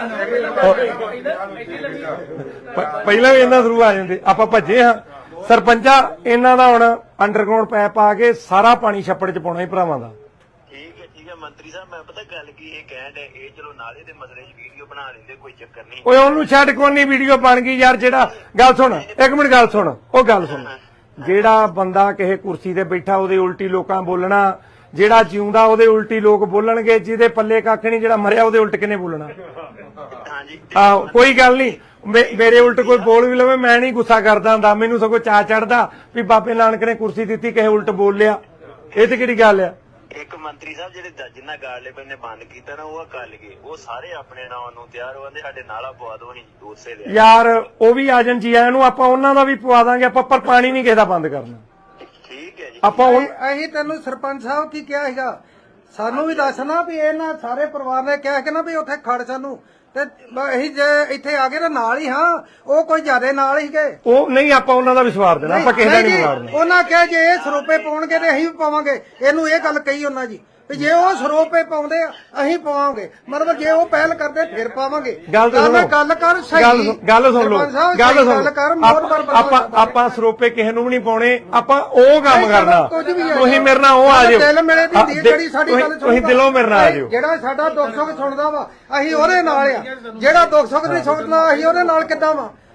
Speaker 2: ਪਹਿਲਾਂ ਵੀ ਇਹਨਾਂ ਥਰੂ ਆ ਜਾਂਦੇ ਆਪਾਂ ਭੱਜੇ ਹਾਂ ਸਰਪੰਚਾ ਇਹਨਾਂ ਦਾ ਹੁਣ ਅੰਡਰਗਰਾਉਂਡ ਪੈਪ ਪਾ ਕੇ ਸਾਰਾ ਪਾਣੀ ਛੱਪੜ 'ਚ ਪਾਉਣਾ ਹੀ ਭਰਾਵਾਂ ਦਾ
Speaker 3: ਠੀਕ ਹੈ ਮੰਤਰੀ ਸਾਹਿਬ ਮੈਂ ਪਤਾ ਗੱਲ ਕੀ ਇਹ ਕਹਿਣ ਡਿਆ ਇਹ ਚਲੋ ਨਾਲੇ ਦੇ ਮਸਲੇ 'ਚ ਵੀਡੀਓ ਬਣਾ ਲੈਂਦੇ ਕੋਈ ਚੱਕਰ ਨਹੀਂ
Speaker 2: ਓਏ ਉਹਨੂੰ ਛੱਡ ਕੋਨੀ ਵੀਡੀਓ ਬਣ ਗਈ ਯਾਰ ਜਿਹੜਾ ਗੱਲ ਸੁਣ ਇੱਕ ਮਿੰਟ ਗੱਲ ਸੁਣ ਉਹ ਗੱਲ ਸੁਣ ਜਿਹੜਾ ਬੰਦਾ ਕਿਸੇ ਕੁਰਸੀ ਤੇ ਬੈਠਾ ਉਹਦੇ ਉਲਟੀ ਲੋਕਾਂ ਬੋਲਣਾ ਜਿਹੜਾ ਜਿਉਂਦਾ ਉਹਦੇ ਉਲਟੀ ਲੋਕ ਬੋਲਣਗੇ ਜਿਹਦੇ ਪੱਲੇ ਕੱਖ ਨਹੀਂ ਜਿਹੜਾ ਮਰਿਆ ਉਹਦੇ ਉਲਟ ਕਿਨੇ ਬੋਲਣਾ
Speaker 3: ਹਾਂਜੀ
Speaker 2: ਆਹੋ ਕੋਈ ਗੱਲ ਨਹੀਂ ਮੇਰੇ ਉਲਟ ਕੋਈ ਬੋਲ ਵੀ ਲਵੇ ਮੈਂ ਨਹੀਂ ਗੁੱਸਾ ਕਰਦਾ ਹੁੰਦਾ ਮੈਨੂੰ ਸਗੋਂ ਚਾਅ ਚੜਦਾ ਵੀ ਬਾਬੇ ਨਾਨਕ ਨੇ ਕੁਰਸੀ ਦਿੱਤੀ ਕਿਸੇ ਉਲਟ ਬੋਲ ਲਿਆ ਇਹ ਤੇ ਕਿਹੜੀ ਗੱਲ ਆ
Speaker 3: ਇੱਕ ਮੰਤਰੀ ਸਾਹਿਬ ਜਿਹੜੇ ਜਿੰਨਾ ਗਾਰਲੇ ਨੇ ਬੰਦ ਕੀਤਾ ਨਾ ਉਹ ਕਰ ਲਗੇ ਉਹ ਸਾਰੇ ਆਪਣੇ ਨਾਂ ਨੂੰ ਤਿਆਰ ਹੋਣਦੇ ਸਾਡੇ ਨਾਲਾ ਪਵਾ ਦੋ ਅਸੀਂ ਉਸੇ ਦੇ
Speaker 2: ਯਾਰ ਉਹ ਵੀ ਆ ਜਾਣ ਜੀ ਆਇਆਂ ਨੂੰ ਆਪਾਂ ਉਹਨਾਂ ਦਾ ਵੀ ਪਵਾ ਦਾਂਗੇ ਆਪਾਂ ਪਰ ਪਾਣੀ ਨਹੀਂ ਕਿਸੇ ਦਾ ਬੰਦ ਕਰਨਾ
Speaker 3: ਠੀਕ ਹੈ ਜੀ
Speaker 2: ਆਪਾਂ
Speaker 1: ਅਸੀਂ ਤੈਨੂੰ ਸਰਪੰਚ ਸਾਹਿਬ ਕੀ ਕਿਹਾ ਸੀਗਾ ਸਾਨੂੰ ਵੀ ਦੱਸਣਾ ਵੀ ਇਹਨਾਂ ਸਾਰੇ ਪਰਿਵਾਰ ਨੇ ਕਿਹਾ ਕਿ ਨਾ ਵੀ ਉੱਥੇ ਖੜ ਸਾਨੂੰ ਤੇ ਅਸੀਂ ਜੇ ਇੱਥੇ ਆ ਗਏ ਤਾਂ ਨਾਲ ਹੀ ਹਾਂ ਉਹ ਕੋਈ ਜ਼ਿਆਦੇ ਨਾਲ ਹੀ ਗਏ
Speaker 2: ਉਹ ਨਹੀਂ ਆਪਾਂ ਉਹਨਾਂ ਦਾ ਵੀ ਸਵਾਰ ਦੇਣਾ ਆਪਾਂ ਕਿਸੇ ਦਾ ਨਹੀਂ ਸਵਾਰਨਾ
Speaker 1: ਉਹਨਾਂ ਕਿਹਾ ਜੇ ਇਹ ਸਰੋਪੇ ਪਾਉਣਗੇ ਤੇ ਅਸੀਂ ਵੀ ਪਾਵਾਂਗੇ ਇਹਨੂੰ ਇਹ ਗੱਲ ਕਹੀ ਉਹਨਾਂ ਜੀ ਵੀ ਜੇ ਉਹ ਸਰੋਪੇ ਪਾਉਂਦੇ ਆ ਅਸੀਂ ਪਾਵਾਂਗੇ ਮਤਲਬ ਜੇ ਉਹ ਪਹਿਲ ਕਰਦੇ ਫਿਰ ਪਾਵਾਂਗੇ
Speaker 2: ਗੱਲ ਤਾਂ ਸੁਣੋ
Speaker 1: ਗੱਲ ਕਰ ਸਹੀ
Speaker 2: ਗੱਲ ਸੁਣ ਲਓ ਗੱਲ ਸੁਣ ਆਪਾਂ ਸਰੋਪੇ ਕਿਸੇ ਨੂੰ ਵੀ ਨਹੀਂ ਪਾਉਣੇ ਆਪਾਂ ਉਹ ਕੰਮ ਕਰਨਾ ਤੁਸੀਂ ਮੇਰੇ ਨਾਲ ਉਹ ਆ ਜਾਓ
Speaker 1: ਦਿਲ ਮੇਰੇ ਦੀ ਜਿਹੜੀ ਸਾਡੀ ਗੱਲ
Speaker 2: ਤੁਸੀਂ ਦਿਲੋਂ ਮੇਰੇ ਨਾਲ ਆ ਜਾਓ
Speaker 1: ਜਿਹੜਾ ਸਾਡਾ ਦੁੱਖ ਸੁੱਖ ਸੁਣਦਾ ਵਾ ਅਸੀਂ ਉਹਦੇ ਨਾਲ ਆ ਜਿਹੜਾ ਦੁੱਖ ਸੁੱਖ ਨਹੀਂ ਸੁਣਦਾ ਅਸੀਂ ਉਹਦੇ ਨਾਲ ਕਿੱਦਾਂ ਵਾ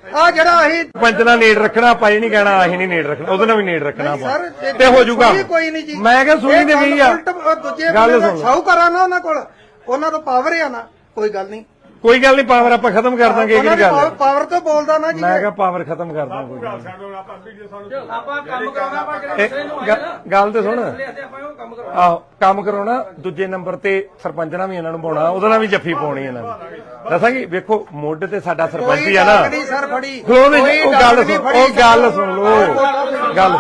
Speaker 1: ਆ ਜਿਹੜਾ ਅਸੀਂ
Speaker 2: ਸਰਪੰਚ ਨਾਲ ਨੇੜ ਰੱਖਣਾ ਆਪਾਂ ਇਹ ਨਹੀਂ ਕਹਿਣਾ ਅਸੀਂ ਨਹੀਂ ਨੇੜ ਰੱਖਣਾ ਉਹਦੇ ਨਾਲ ਵੀ ਨੇੜ ਰੱਖਣਾ ਆਪਾਂ
Speaker 1: ਸਰ
Speaker 2: ਤੇ ਹੋ ਜਾਊਗਾ
Speaker 1: ਕੋਈ ਨਹੀਂ ਜੀ
Speaker 2: ਮੈਂ ਕਿਹਾ ਸੁਣੀ ਤੇ ਗਈ ਆ
Speaker 1: ਦੂਜੇ
Speaker 2: ਗੱਲ
Speaker 1: ਬੰਦੇ
Speaker 2: ਸੁਣ।
Speaker 1: ਸ਼ਾਹੂਕਾਰਾਂ ਨਾ ਉਹਨਾਂ ਕੋਲ ਉਹਨਾਂ ਤੋਂ ਪਾਵਰ ਆ ਨਾ ਕੋਈ ਗੱਲ ਨਹੀਂ
Speaker 2: ਕੋਈ ਗੱਲ ਨਹੀਂ ਪਾਵਰ ਆਪਾਂ ਖਤਮ ਕਰ ਦਾਂਗੇ ਇਹ ਗੱਲ ਹੈ।
Speaker 1: ਪਾਵਰ ਤੋਂ ਬੋਲਦਾ ਨਾ ਜੀ
Speaker 2: ਮੈਂ ਕਿਹਾ ਪਾਵਰ ਖਤਮ ਕਰ ਦਾਂਗੇ
Speaker 4: ਗੱਲ ਸਾਨੂੰ ਆਪਾਂ ਵੀਡੀਓ ਸਾਨੂੰ
Speaker 5: ਆਪਾਂ ਕੰਮ ਕਰਾਉਣਾ ਆਪਾਂ ਕਿਹੜੇ ਦੂਸਰੇ ਨੂੰ ਆਏ ਨਾ
Speaker 2: ਗੱਲ ਤੇ ਸੁਣ
Speaker 5: ਆਪਾਂ ਉਹ ਕੰਮ ਕਰਾਉਣਾ
Speaker 2: ਆਹੋ ਕੰਮ ਕਰਾਉਣਾ ਦੂਜੇ ਨੰਬਰ ਤੇ ਸਰਪੰਚ ਨਾਲ ਵੀ ਇਹਨਾਂ ਨੂੰ ਪਾਉਣਾ ਉਹਦੇ ਨਾਲ ਵੀ ਜੱਫੀ ਪਾਉਣੀ ਇਹਨਾਂ ਨੂੰ ਦੱਸਾਂਗੀ ਵੇਖੋ ਮੁੱਢ ਤੇ ਸਾਡਾ ਸਰਪੰਚ ਹੀ ਆ ਨਾ
Speaker 1: ਨਹੀਂ ਸਰ ਫੜੀ
Speaker 2: ਖਲੋ ਦੇ ਉਹ ਗੱਲ ਸੁਣ ਲੋ ਗੱਲ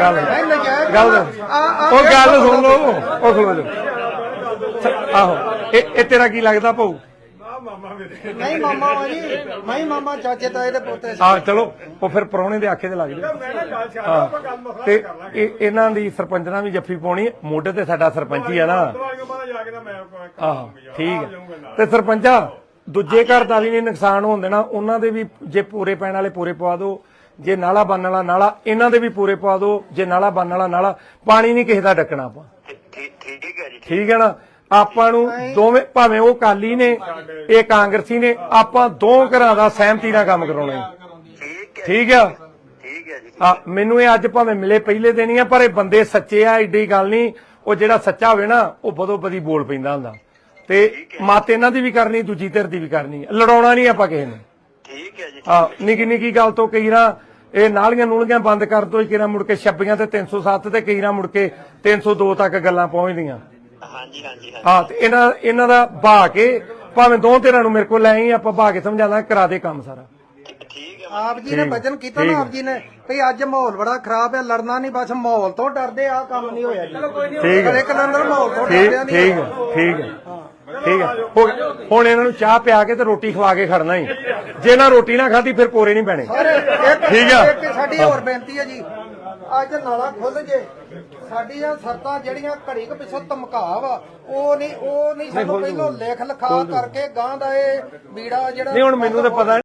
Speaker 2: ਉਹ ਗੱਲ ਸੁਣ ਲੋ ਉਹ ਖਲੋ ਜਾ ਆਹੋ ਇਹ ਤੇਰਾ ਕੀ ਲੱਗਦਾ ਭਾਊ
Speaker 4: ਮਾਮਾ ਮੇਰੇ
Speaker 1: ਨਹੀਂ ਮਾਮਾ ਵਾ ਜੀ ਮੈਂ ਹੀ ਮਾਮਾ ਚਾਚੇ ਤਾਏ ਦੇ ਪੋਤੇ ਸੀ
Speaker 2: ਆ ਚਲੋ ਉਹ ਫਿਰ ਪਰੌਣੇ ਦੇ ਆਖੇ ਤੇ ਲੱਗ ਜਾ
Speaker 4: ਮੈਂ ਨਾ ਗੱਲ ਛੱਡ ਆਪਾਂ ਗੱਲ ਮਸਲਾ
Speaker 2: ਤੇ
Speaker 4: ਕਰ ਲਾਂਗੇ
Speaker 2: ਇਹਨਾਂ ਦੀ ਸਰਪੰਚ ਨਾਲ ਵੀ ਜੱਫੀ ਪਾਉਣੀ ਮੋਢੇ ਤੇ ਸਾਡਾ ਸਰਪੰਚ ਹੀ ਆ ਨਾ
Speaker 4: ਦਵਾਈਆਂ ਬਾਅਦ ਜਾ ਕੇ ਨਾ ਮੈਂ
Speaker 2: ਆਹੋ ਠੀਕ ਹੈ ਤੇ ਸਰਪੰਚਾ ਦੂਜੇ ਘਰ ਦਾ ਵੀ ਨਹੀਂ ਨੁਕਸਾਨ ਹੋਣ ਦੇਣਾ ਉਹਨਾਂ ਦੇ ਵੀ ਜੇ ਪੂਰੇ ਪੈਣ ਵਾਲੇ ਪੂਰੇ ਪਵਾ ਦਿਓ ਜੇ ਨਾਲਾ ਬੰਨ ਵਾਲਾ ਨਾਲਾ ਇਹਨਾਂ ਦੇ ਵੀ ਪੂਰੇ ਪਵਾ ਦਿਓ ਜੇ ਨਾਲਾ ਬੰਨ ਵਾਲਾ ਨਾਲਾ ਪਾਣੀ ਨਹੀਂ ਕਿਸੇ ਦਾ ਡੱਕਣਾ ਆਪਾਂ
Speaker 3: ਠੀਕ ਹੈ ਜੀ
Speaker 2: ਠੀਕ ਹੈ ਨਾ ਆਪਾਂ ਨੂੰ ਦੋਵੇਂ ਭਾਵੇਂ ਉਹ ਕਾਲੀ ਨੇ ਇਹ ਕਾਂਗਰਸੀ ਨੇ ਆਪਾਂ ਦੋ ਘਰਾਂ ਦਾ ਸਹਿਮਤੀ ਨਾਲ ਕੰਮ ਕਰਾਉਣਾ ਹੈ ਠੀਕ ਆ
Speaker 3: ਠੀਕ ਹੈ ਜੀ
Speaker 2: ਆ ਮੈਨੂੰ ਇਹ ਅੱਜ ਭਾਵੇਂ ਮਿਲੇ ਪਹਿਲੇ ਦਿਨ ਹੀ ਆ ਪਰ ਇਹ ਬੰਦੇ ਸੱਚੇ ਆ ਏਡੀ ਗੱਲ ਨਹੀਂ ਉਹ ਜਿਹੜਾ ਸੱਚਾ ਹੋਵੇ ਨਾ ਉਹ ਬਦੋ ਬਦੀ ਬੋਲ ਪੈਂਦਾ ਹੁੰਦਾ ਤੇ ਮਤ ਇਹਨਾਂ ਦੀ ਵੀ ਕਰਨੀ ਦੂਜੀ ਧਿਰ ਦੀ ਵੀ ਕਰਨੀ ਲੜਾਉਣਾ ਨਹੀਂ ਆਪਾਂ ਕਿਸੇ ਨੂੰ
Speaker 3: ਠੀਕ ਹੈ ਜੀ
Speaker 2: ਆ ਨਿੱਕੀ ਨਿੱਕੀ ਗੱਲ ਤੋਂ ਕਈ ਨਾ ਇਹ ਨਾਲੀਆਂ ਨੂਲੀਆਂ ਬੰਦ ਕਰ ਦੋ ਕਿਰਾ ਮੁੜ ਕੇ 26 ਤੇ 307 ਤੇ ਕਈ ਨਾ ਮੁੜ ਕੇ 302 ਤੱਕ ਗੱਲਾਂ ਪਹੁੰਚਦੀਆਂ
Speaker 3: ਹਾਂਜੀ ਹਾਂਜੀ
Speaker 2: ਹਾਂ ਤੇ ਇਹਨਾਂ ਦਾ ਬਹਾ ਕੇ ਭਾਵੇਂ ਦੋ ਧਿਰਾਂ ਨੂੰ ਮੇਰੇ ਕੋਲ ਲੈ ਆਈ ਆਪਾਂ ਬਹਾ ਕੇ ਸਮਝਾਣਾ ਕਰਾ ਦੇ ਕੰਮ ਸਾਰਾ
Speaker 3: ਠੀਕ ਹੈ
Speaker 1: ਆਪ ਜੀ ਨੇ ਵਚਨ ਕੀਤਾ ਨਾ ਆਪ ਜੀ ਨੇ ਭਈ ਅੱਜ ਮਾਹੌਲ ਬੜਾ ਖਰਾਬ ਹੈ ਲੜਨਾ ਨਹੀਂ ਬਸ ਮਾਹੌਲ ਤੋਂ ਡਰਦੇ ਆ ਕੰਮ ਨਹੀਂ ਹੋਇਆ ਜੀ
Speaker 2: ਠੀਕ ਹੈ
Speaker 1: ਇੱਕ ਲੰਦਰ ਮਾਹੌਲ ਤੋਂ
Speaker 2: ਠੀਕ
Speaker 1: ਡਰਦੇ
Speaker 2: ਠੀਕ
Speaker 1: ਨਹੀਂ
Speaker 2: ਹੈ ਠੀਕ ਹੈ ਠੀਕ ਹੈ ਹੁਣ ਇਹਨਾਂ ਨੂੰ ਚਾਹ ਪਿਆ ਕੇ ਤੇ ਰੋਟੀ ਖਵਾ ਕੇ ਖੜਨਾ ਹੀ ਜੇ ਨਾ ਰੋਟੀ ਨਾ ਖਾਧੀ ਫਿਰ ਕੋਰੇ ਨਹੀਂ ਪੈਣੇ ਠੀਕ ਆ।
Speaker 1: ਇੱਕ ਸਾਡੀ ਹੋਰ ਬੇਨਤੀ ਹੈ ਜੀ ਅੱਜ ਨਾਲਾ ਖੁੱਲ ਜੇ ਸਾਡੀਆਂ ਸਰਤਾਂ ਜਿਹੜੀਆਂ ਘੜੀ ਕੁ ਪਿੱਛੋਂ ਧਮਕਾ ਵਾ ਉਹ ਨਹੀਂ ਸਾਨੂੰ ਪਹਿਲਾਂ ਲਿਖ ਲਿਖਾ ਕਰਕੇ ਗਾਂ ਦਾ ਇਹ ਬੀੜਾ ਜਿਹੜਾ
Speaker 2: ਨਹੀਂ ਹੁਣ ਮੈਨੂੰ ਤਾਂ ਪਤਾ